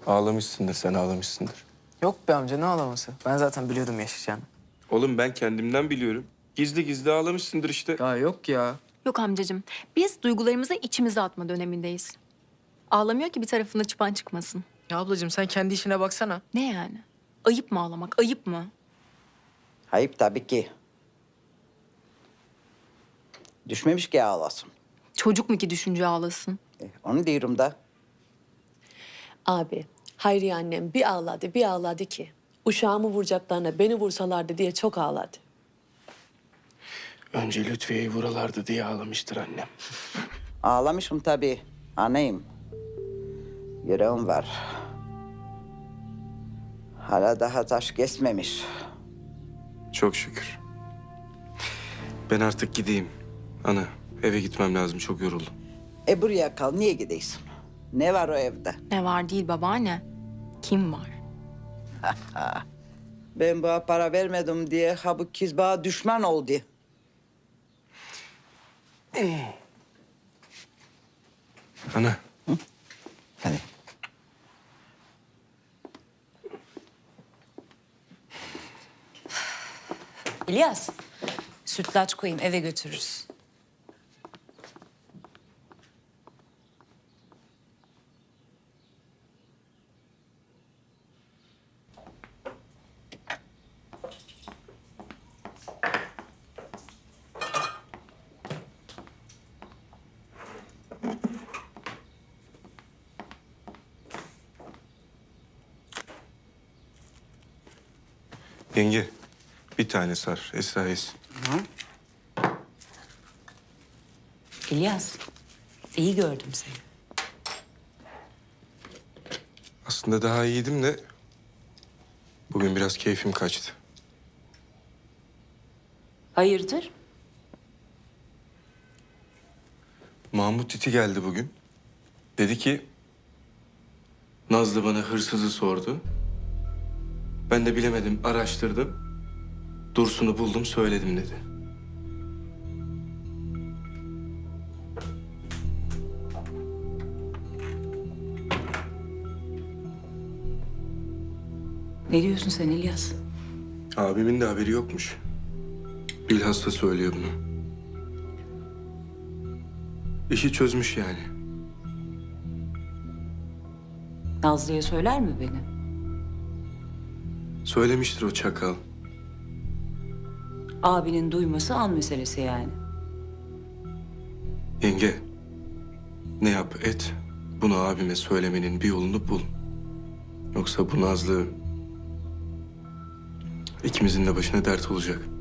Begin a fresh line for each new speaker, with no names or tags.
Ağlamışsındır, sen ağlamışsındır.
Yok be amca, ne ağlaması? Ben zaten biliyordum yaşayacağını.
Oğlum ben kendimden biliyorum. Gizli gizli ağlamışsındır işte.
Ya yok ya.
Yok amcacığım. Biz duygularımızı içimize atma dönemindeyiz. Ağlamıyor ki bir tarafında çıpan çıkmasın.
Ya ablacığım sen kendi işine baksana.
Ne yani? Ayıp mı ağlamak? Ayıp mı?
Ayıp tabii ki. Düşmemiş ki ağlasın.
Çocuk mu ki düşünce ağlasın?
Onu diyorum da.
Abi, Hayriye annem bir ağladı ki. Uşağımı vuracaklarına beni vursalardı diye çok ağladı.
Önce Lütfiye'yi vuralardı diye ağlamıştır annem.
Ağlamışım tabii. Anayım. Yüreğim var. Hala daha taş kesmemiş.
Çok şükür. Ben artık gideyim. Ana, eve gitmem lazım. Çok yoruldum.
Buraya kal. Niye gidiyorsun? Ne var o evde?
Ne var değil babaanne. Kim var?
Ben bu para vermedim diye ha bu kız bana düşman oldu.
Ana.
Hadi.
İlyas, sütlaç koyayım eve götürürüz.
Yenge, bir tane sar. Esra yesin.
İlyas, iyi gördüm seni.
Aslında daha iyiydim de... bugün biraz keyfim kaçtı.
Hayırdır?
Mahmut iti geldi bugün. Dedi ki... Nazlı bana hırsızı sordu. Ben de bilemedim, araştırdım. Dursun'u buldum, söyledim dedi.
Ne diyorsun sen İlyas?
Abimin de haberi yokmuş. Bilhassa söylüyor bunu. İşi çözmüş yani.
Nazlı'ya söyler mi beni?
Söylemiştir o çakal.
Abinin duyması an meselesi yani.
Yenge, ne yap et, bunu abime söylemenin bir yolunu bul. Yoksa bu Nazlı ikimizin de başına dert olacak.